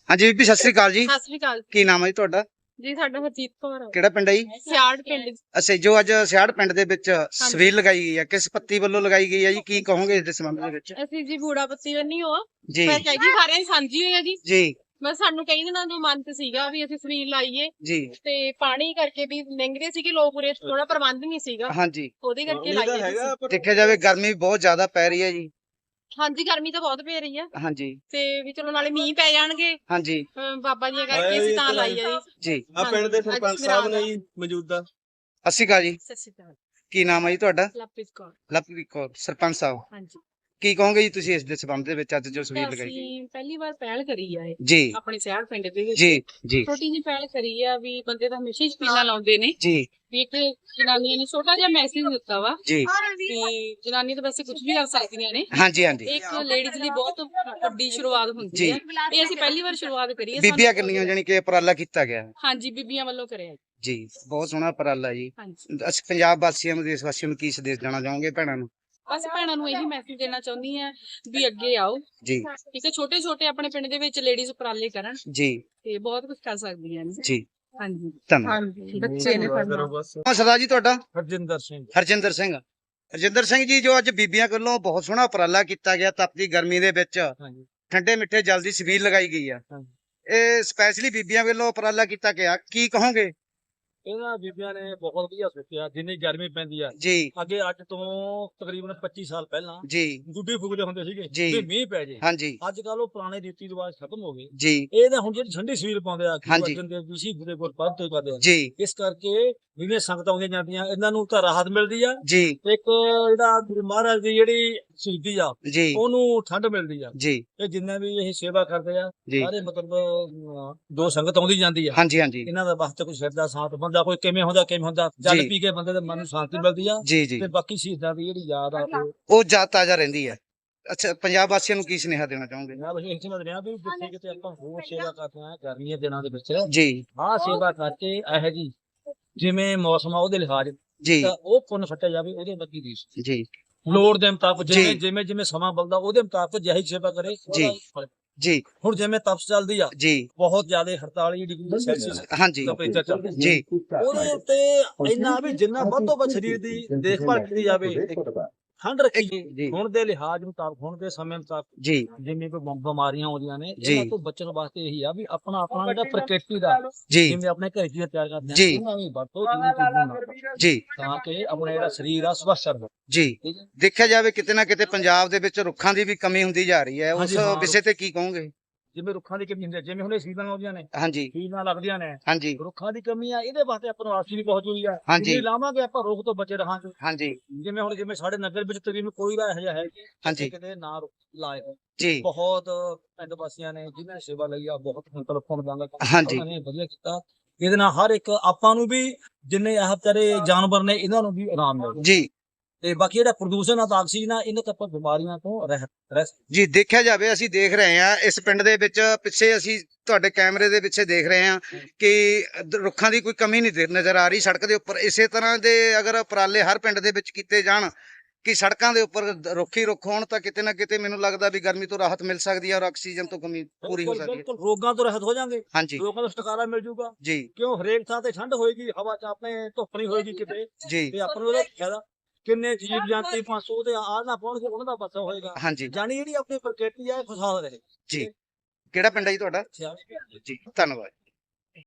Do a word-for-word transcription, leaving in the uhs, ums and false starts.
ਹਾਂਜੀ ਬੀਬੀ ਸਤਿ ਸ੍ਰੀ ਅਕਾਲ ਜੀ। ਸਤਿ ਸ੍ਰੀ ਅਕਾਲ ਕੀ ਨਾਮ ਹੈ ਜੀ ਤੁਹਾਡਾ? ਜੀ। ਸਾਡਾ ਹਰਜੀਤ ਕੌਰ ਆ। ਕਿਹੜਾ ਪਿੰਡ ਹੈ ਜੀ? ਸਿਆੜ ਪਿੰਡ। ਅੱਛਾ, ਜੋ ਅੱਜ ਸਿਆੜ ਪਿੰਡ ਦੇ ਵਿੱਚ ਸਵੀਲ ਲਗਾਈ ਗਈ ਹੈ, ਕਿਸ ਪੱਤੀ ਵੱਲੋਂ ਲਗਾਈ ਗਈ ਹੈ ਜੀ? ਕੀ ਕਹੋਗੇ ਇਸ ਦੇ ਸੰਬੰਧ ਦੇ ਵਿੱਚ? ਅਸੀਂ ਜੀ ਬੂੜਾ ਪੱਤੀ ਬੰਨੀ ਹੋ ਜੀ ਪਰ ਕਹੀ ਸਾਰਿਆਂ ਦੀ ਸਾਂਝੀ ਹੋਈ ਆ ਜੀ। ਜੀ ਬਸ ਸਾਨੂੰ ਕਈ ਦਿਨਾਂ ਤੋਂ ਮਨ ਤੇ ਸੀਗਾ ਵੀ ਅਸੀਂ ਸਵੀਲ ਲਾਈਏ ਜੀ ਤੇ ਪਾਣੀ ਕਰਕੇ ਵੀ ਲੰਘਦੇ ਸੀਗੇ ਲੋਕ, ਉਰੇ ਥੋੜਾ ਪ੍ਰਬੰਧ ਨਹੀਂ ਸੀਗਾ, ਹਾਂਜੀ। ਉਹਦੇ ਕਰਕੇ ਲਾਈਏ ਜੀ। ਦੇਖਿਆ ਜਾਵੇ ਗਰਮੀ ਬਹੁਤ ਜ਼ਿਆਦਾ ਪੈ ਰਹੀ ਹੈ ਜੀ। ਹਾਂਜੀ, ਗਰਮੀ ਤਾਂ ਬਹੁਤ ਪੈ ਰਹੀ ਆ। ਹਾਂਜੀ ਤੇ ਵੀ ਚਲੋ ਨਾਲੇ ਮੀਂਹ ਪੈ ਜਾਣਗੇ ਹਾਂਜੀ ਅਹ ਬਾਬਾ ਜੀ ਕਰਕੇ ਅਸੀਂ ਤਾਂ ਲਾਈ ਆ ਜੀ। ਜੀ। ਆ ਪਿੰਡ ਦੇ ਸਰਪੰਚ ਸਾਹਿਬ ਨੇ ਜੀ ਮੌਜੂਦਾ। ਸਤਿ ਸ਼੍ਰੀ ਅਕਾਲ ਜੀ। ਸਤਿ ਸ਼੍ਰੀ ਅਕਾਲ। ਕੀ ਨਾਮ ਹੈ ਜੀ ਤੁਹਾਡਾ? ਲਵਪ੍ਰੀਤ ਕੌਰ। ਲਵਪ੍ਰੀਤ ਕੌਰ। ਸਰਪੰਚ ਸਾਹਿਬ ਹਾਂਜੀ। ਕੀ ਕਹੋਗੇ ਜੀ ਤੁਸੀਂ ਇਸ ਦੇ ਸੰਬੰਧ ਦੇ ਵਿੱਚ ਅੱਜ ਜੋ ਸਵੀਲ ਲਗਾਈ ਗਈ? ਅਸੀਂ ਪਹਿਲੀ ਵਾਰ ਪਹਿਲ ਕਰੀ ਆ ਇਹ ਜੀ ਆਪਣੇ ਸਿਆੜ ਪਿੰਡ ਦੇ ਵਿੱਚ। ਜੀ ਜੀ ਛੋਟੀ ਜਿਹੀ ਪਹਿਲ ਕਰੀ ਆ ਵੀ ਬੰਦੇ ਤਾਂ ਹਮੇਸ਼ਾ ਹੀ ਸਪੀਲਾਂ ਲਾਉਂਦੇ ਨੇ ਜੀ ਵੀ ਇੱਕ ਜਨਾਨੀਆਂ ਨੇ ਛੋਟਾ ਜਿਹਾ ਮੈਸੇਜ ਦਿੱਤਾ ਵਾ ਜੀ। ਕਿ ਜਨਾਨੀ ਤਾਂ ਵੈਸੇ ਕੁਝ ਵੀ ਕਰ ਸਕਦੀਆਂ ਨੇ, ਹਾਂਜੀ ਹਾਂਜੀ। ਇੱਕ ਲੇਡੀਜ਼ ਲਈ ਬਹੁਤ ਵੱਡੀ ਸ਼ੁਰੂਆਤ ਹੁੰਦੀ ਜੀ। ਹੈ। ਇਹ ਅਸੀਂ ਪਹਿਲੀ ਵਾਰ ਸ਼ੁਰੂਆਤ ਕਰੀ ਹੈ। ਬੀਬੀਆਂ ਕਿੰਨੀਆਂ ਜਾਣੀ ਕਿ ਉਪਰਾਲਾ ਕੀਤਾ ਗਿਆ ਹੈ? ਹਾਂਜੀ, ਬੀਬੀਆਂ ਵੱਲੋਂ ਕਰਿਆ ਜੀ। ਜੀ ਬਹੁਤ ਸੋਹਣਾ ਉਪਰਾਲਾ ਜੀ। ਹਾਂਜੀ, ਅਸੀਂ ਪੰਜਾਬ ਵਾਸੀਆਂ ਨੂੰ, ਦੇਸ਼ ਵਾਸੀਆਂ ਨੂੰ ਕੀ ਸੰਦੇਸ਼ ਦੇਣਾ ਚਾਹੋਗੇ ਭੈਣਾਂ ਨੂੰ? ਬਸ ਭੈਣਾਂ ਨੂੰ ਇਹੀ ਮੈਸੇਜ ਦੇਣਾ ਚਾਹੁੰਦੀ ਆ ਵੀ ਅੱਗੇ ਆਓ। ਜੀ ਠੀਕ ਹੈ, ਛੋਟੇ ਛੋਟੇ ਆਪਣੇ ਪਿੰਡ ਦੇ ਵਿੱਚ ਲੇਡੀਜ਼ ਉਪਰਾਲੇ ਕਰਨ ਜੀ ਤੇ ਬਹੁਤ ਕੁਝ ਕਰ ਸਕਦੀਆਂ ਨੇ। ਜੀ ਹਾਂਜੀ ਧੰਨਵਾਦ। ਹਾਂਜੀ, ਬੱਚੇ ਨੇ ਕਰਨਾ। ਹਾਂ ਸਰਦਾਰ ਜੀ ਤੁਹਾਡਾ? ਹਰਜਿੰਦਰ ਸਿੰਘ। ਹਰਜਿੰਦਰ ਸਿੰਘ। ਹਰਜਿੰਦਰ ਸਿੰਘ ਜੀ, ਜੋ ਅੱਜ ਬੀਬੀਆਂ ਵੱਲੋਂ ਬਹੁਤ ਸੋਹਣਾ ਉਪਰਾਲਾ ਕੀਤਾ ਗਿਆ ਤਪਦੀ ਗਰਮੀ ਦੇ ਵਿੱਚ ਹਾਂਜੀ ਠੰਡੇ ਮਿੱਠੇ ਜਲ ਦੀ ਛਬੀਲ ਲਗਾਈ ਗਈ ਆ, ਹਾਂਜੀ। ਇਹ ਸਪੈਸ਼ਲੀ ਬੀਬੀਆਂ ਵੱਲੋਂ ਉਪਰਾਲਾ ਕੀਤਾ ਗਿਆ, ਕੀ ਕਹੋਗੇ? ਇਹਨਾਂ ਬੀਬੀਆਂ ਨੇ ਬਹੁਤ ਵਧੀਆ ਸੋਚਿਆ। ਜਿੰਨੀ ਗਰਮੀ ਪੈਂਦੀ ਆ ਜੀ ਅੱਗੇ ਅੱਜ ਤੋਂ ਤਕਰੀਬਨ ਪੱਚੀ ਸਾਲ ਪਹਿਲਾਂ ਜੀ ਗੁੱਡੀ ਫੁਗਦੇ ਹੁੰਦੇ ਸੀਗੇ ਜੀ। ਵੀ ਮੀਂਹ ਪੈ ਜੇ। ਹਾਂਜੀ ਅੱਜ ਕੱਲ ਉਹ ਪੁਰਾਣੇ ਰੀਤੀ ਰਿਵਾਜ ਖਤਮ ਹੋ ਗਏ। ਜੀ ਇਹ ਤਾਂ ਹੁਣ ਜਿਹੜੀ ਠੰਡੀ ਸਵੀਲ ਪਾਉਂਦੇ ਆ ਹਾਂਜੀ। ਦੇ ਵਿਸ਼ੀ ਦੇ ਕੋਲ ਪੱਦ ਤੋਂ ਕਰਦੇ ਆ। ਜੀ ਇਸ ਕਰਕੇ ਜਿਵੇਂ ਸੰਗਤਾਂ ਆਉਂਦੀਆਂ ਜਾਂਦੀਆਂ ਇਹਨਾਂ ਨੂੰ ਤਾਂ ਰਾਹਤ ਮਿਲਦੀ ਆ। ਜੀ ਇੱਕ ਜਿਹੜਾ ਗੁਰੂ ਮਹਾਰਾਜ ਦੀ ਜਿਹੜੀ ਸ਼ਹੀਦੀ ਆ ਜੀ ਉਹਨੂੰ ਠੰਡ ਮਿਲਦੀ ਆ। ਜੀ ਇਹ ਜਿੰਨੇ ਵੀ ਇਹ ਸੇਵਾ ਕਰਦੇ ਆ ਜੀ ਸਾਰੇ ਮਤਲਬ ਅਹ, ਦੋ ਸੰਗਤ ਆਉਂਦੀ ਜਾਂਦੀ ਆ। ਹਾਂਜੀ ਹਾਂਜੀ ਇਹਨਾਂ ਦਾ ਵਾਸਤੇ ਕੋਈ ਸਿਰ ਦਾ ਸਾਥ ਬੰਦਾ ਕੋਈ ਕਿਵੇਂ ਹੁੰਦਾ ਕਿਵੇਂ ਹੁੰਦਾ ਜਲ ਜੀ। ਪੀ ਕੇ ਬੰਦੇ ਦੇ ਮਨ ਨੂੰ ਸ਼ਾਂਤੀ ਮਿਲਦੀ ਆ। ਜੀ ਜੀ ਤੇ ਬਾਕੀ ਸ਼ਹੀਦਾਂ ਦੀ ਜਿਹੜੀ ਯਾਦ ਆ ਉਹ ਉਹ ਜਾ ਤਾਜ਼ਾ ਰਹਿੰਦੀ ਹੈ। ਅੱਛਾ, ਪੰਜਾਬ ਵਾਸੀਆਂ ਨੂੰ ਕੀ ਸੁਨੇਹਾ ਦੇਣਾ ਚਾਹੋਗੇ? ਮੈਂ ਬਸ ਇਹ ਸਮਝ ਰਿਹਾ ਵੀ ਜਿੱਥੇ ਕਿਤੇ ਆਪਾਂ ਹੋਰ ਸੇਵਾ ਕਰਦੇ ਆ ਗਰਮੀਆਂ ਦਿਨਾਂ ਦੇ ਵਿੱਚ ਜੀ ਆਹ ਸੇਵਾ ਕਰਕੇ ਇਹੋ ਜੀ ਜਿਵੇਂ ਮੌਸਮ ਆ ਉਹਦੇ ਲਿਹਾਜ਼ ਜੀ ਤਾਂ ਉਹ ਪੁੰਨ ਫਟਿਆ ਜਾਵੇ ਉਹਦੇ ਵਰਗੀ ਰੀਸ ਜੀ ਲੋੜ ਦੇ ਮੁਤਾਬਕ ਜਿਵੇਂ ਜੀ। ਜਿਵੇਂ ਜਿਵੇਂ ਸਮਾਂ ਬਲਦਾ ਉਹਦੇ ਮੁਤਾਬਕ ਜਿਹੀ ਸੇਵਾ ਕਰੇ ਉਹਦਾ ਜੀ। ਫਲ। ਜੀ ਹੁਣ ਜਿਵੇਂ ਤਪਸ਼ ਚੱਲਦੀ ਆ ਜੀ ਬਹੁਤ ਜ਼ਿਆਦਾ ਅੜਤਾਲੀ ਡਿਗਰੀ ਸੈਲਸੀਅਸ ਹਾਂਜੀ ਟੈਂਪਰੇਚਰ ਚੱਲਦਾ ਜੀ ਉਹਦੇ ਉੱਤੇ ਇੰਨਾ ਵੀ ਜਿੰਨਾ ਵੱਧ ਤੋਂ ਵੱਧ ਸਰੀਰ ਦੀ ਦੇਖਭਾਲ ਕੀਤੀ ਜਾਵੇ ਠੰਡ ਰੱਖੀ ਜੀ ਹੁਣ ਦੇ ਲਿਹਾਜ਼ ਮੁਤਾਬਕ ਹੁਣ ਦੇ ਸਮੇਂ ਮੁਤਾਬਕ ਜੀ ਜਿਵੇਂ ਕੋਈ ਬਿਮ- ਬਿਮਾਰੀਆਂ ਆਉਂਦੀਆਂ ਨੇ ਜੀ। ਇਹਨਾਂ ਤੋਂ ਬਚਣ ਵਾਸਤੇ ਇਹੀ ਆ ਵੀ ਆਪਣਾ ਆਪਣਾ ਜਿਹੜਾ ਪ੍ਰਕਿਰਤੀ ਦਾ ਜੀ ਜਿਵੇਂ ਆਪਣੇ ਘਰ ਚੀਜ਼ਾਂ ਤਿਆਰ ਕਰਦੇ ਜੀ। ਆ ਉਹਨਾਂ ਦੀ ਵਰਤੋਂ ਜਿਵੇਂ ਚੀਜ਼ਾਂ ਨਾਲ ਜੀ ਤਾਂ ਕਿ ਆਪਣਾ ਜਿਹੜਾ ਸਰੀਰ ਆ ਸਵਸਥ ਰਹੇ। ਜੀ ਠੀਕ ਹੈ ਦੇਖਿਆ ਜਾਵੇ ਕਿਤੇ ਨਾ ਕਿਤੇ ਪੰਜਾਬ ਦੇ ਵਿੱਚ ਰੁੱਖਾਂ ਦੀ ਵੀ ਕਮੀ ਹੁੰਦੀ ਜਾ ਰਹੀ ਹੈ, ਉਸ ਹਾਂਜੀ, ਹਾਂ। ਵਿਸ਼ੇ ਤੇ ਕੀ ਕਹੋਗੇ? ਜਿਵੇਂ ਰੁੱਖਾਂ ਦੀ ਕਮੀ ਹੁੰਦੀ ਹੈ ਜਿਵੇਂ ਹੁਣ ਇਹ ਸੀਜ਼ਨ ਆਉਂਦੀਆਂ ਨੇ ਹਾਂਜੀ ਸੀਜ਼ਨਾਂ ਲੱਗਦੀਆਂ ਨੇ ਹਾਂਜੀ ਰੁੱਖਾਂ ਦੀ ਕਮੀ ਆ ਇਹਦੇ ਵਾਸਤੇ ਆਪਾਂ ਨੂੰ ਆਕਸੀਜਨ ਬਹੁਤ ਜ਼ਰੂਰੀ ਆ। ਹਾਂਜੀ। ਜੇ ਲਾਵਾਂਗੇ ਆਪਾਂ ਰੋਗ ਤੋਂ ਬਚੇ ਰਹਾਂਗੇ। ਹਾਂਜੀ ਜਿਵੇਂ ਹੁਣ ਜਿਵੇਂ ਸਾਡੇ ਨਗਰ ਵਿੱਚ ਤਕਰੀਬਨ ਕੋਈ ਦਾ ਇਹੋ ਜਿਹਾ ਹੈ ਕਿ ਹਾਂਜੀ। ਜਿੱਥੇ ਕਿਤੇ ਨਾ ਰੁੱਖ ਲਾਏ ਹੋਣ। ਜੀ ਬਹੁਤ ਪਿੰਡ ਵਾਸੀਆਂ ਨੇ ਜਿਨ੍ਹਾਂ ਨੇ ਸੇਵਾ ਲਈ ਆ ਬਹੁਤ ਮਤਲਬ ਫੋਨ ਹਾਂਜੀ। ਉਹਨਾਂ ਨੇ ਵਧੀਆ ਕੀਤਾ। ਇਹਦੇ ਨਾਲ ਹਰ ਇੱਕ ਆਪਾਂ ਨੂੰ ਵੀ ਜਿੰਨੇ ਇਹ ਵਿਚਾਰੇ ਜਾਨਵਰ ਨੇ ਇਹਨਾਂ ਨੂੰ ਵੀ ਆਰਾਮ ਮਿਲਦਾ ਜੀ ਤੇ ਬਾਕੀ ਜਿਹੜਾ ਪ੍ਰਦੂਸ਼ਣ ਆ ਤਾਂ ਆਕਸੀਜਨ ਆ ਇਹਨਾਂ ਤੋਂ ਆਪਾਂ ਬਿਮਾਰੀਆਂ ਤੋਂ ਰਹਿਤ ਰਹਿ ਸਕਦੇ। ਜੀ ਦੇਖਿਆ ਜਾਵੇ ਅਸੀਂ ਦੇਖ ਰਹੇ ਹਾਂ ਇਸ ਪਿੰਡ ਦੇ ਵਿੱਚ ਪਿੱਛੇ ਅਸੀਂ ਤੁਹਾਡੇ ਕੈਮਰੇ ਦੇ ਪਿੱਛੇ ਦੇਖ ਰਹੇ ਹਾਂ ਕਿ ਦ- ਰੁੱਖਾਂ ਦੀ ਕੋਈ ਕਮੀ ਨਹੀਂ ਦੇ- ਨਜ਼ਰ ਆ ਰਹੀ ਸੜਕ ਦੇ ਉੱਪਰ। ਇਸੇ ਤਰ੍ਹਾਂ ਦੇ ਅਗਰ ਉਪਰਾਲੇ ਹਰ ਪਿੰਡ ਦੇ ਵਿੱਚ ਕੀਤੇ ਜਾਣ ਕਿ ਸੜਕਾਂ ਦੇ ਉੱਪਰ ਦ- ਰੁੱਖ ਹੀ ਰੁੱਖ ਹੋਣ ਤਾਂ ਕਿਤੇ ਨਾ ਕਿਤੇ ਮੈਨੂੰ ਲੱਗਦਾ ਵੀ ਗਰਮੀ ਤੋਂ ਰਾਹਤ ਮਿਲ ਸਕਦੀ ਹੈ ਔਰ ਆਕਸੀਜਨ ਤੋਂ ਕਮੀ ਪੂਰੀ ਹੋ ਬਿਲਕੁਲ ਸਕਦੀ ਹੈ। ਬਿਲਕੁਲ ਰੋਗਾਂ ਤੋਂ ਰਹਿਤ ਹੋ ਜਾਵਾਂਗੇ। ਹਾਂਜੀ ਰੋਗਾਂ ਤੋਂ ਛੁਟਕਾਰਾ ਮਿਲ ਜੂਗਾ ਜੀ ਕਿਉਂ ਹਰੇਕ ਥਾਂ ਤੇ ਠੰਡ ਹੋਏਗੀ ਹਵਾ ਚ ਆਪਣੇ ਧੁੱਪ ਨਹੀਂ ਹੋਏਗੀ ਕਿਤੇ ਜੀ ਤੇ ਆਪਾਂ ਨੂੰ ਉਹਦਾ ਫਾਇਦਾ ਕਿੰਨੇ ਜੀਵ ਜੰਤੂ ਪੰਜ ਸੌ ਤੇ ਆ ਨਾ ਪਹੁੰਚਗੇ ਉਹਨਾਂ ਦਾ ਬਚਾ ਹੋਏਗਾ। ਹਾਂਜੀ ਜਾਨੀ ਜਿਹੜੀ ਆਪਣੀ ਪ੍ਰਕਿਰਤੀ ਆ ਇਹ ਖੁਸ਼ਹਾਲ ਰਹੇ। ਜੀ ਕਿਹੜਾ ਪਿੰਡ ਹੈ ਜੀ ਤੁਹਾਡਾ? ਸਿਆਣੇ ਜੀ ਧੰਨਵਾਦ।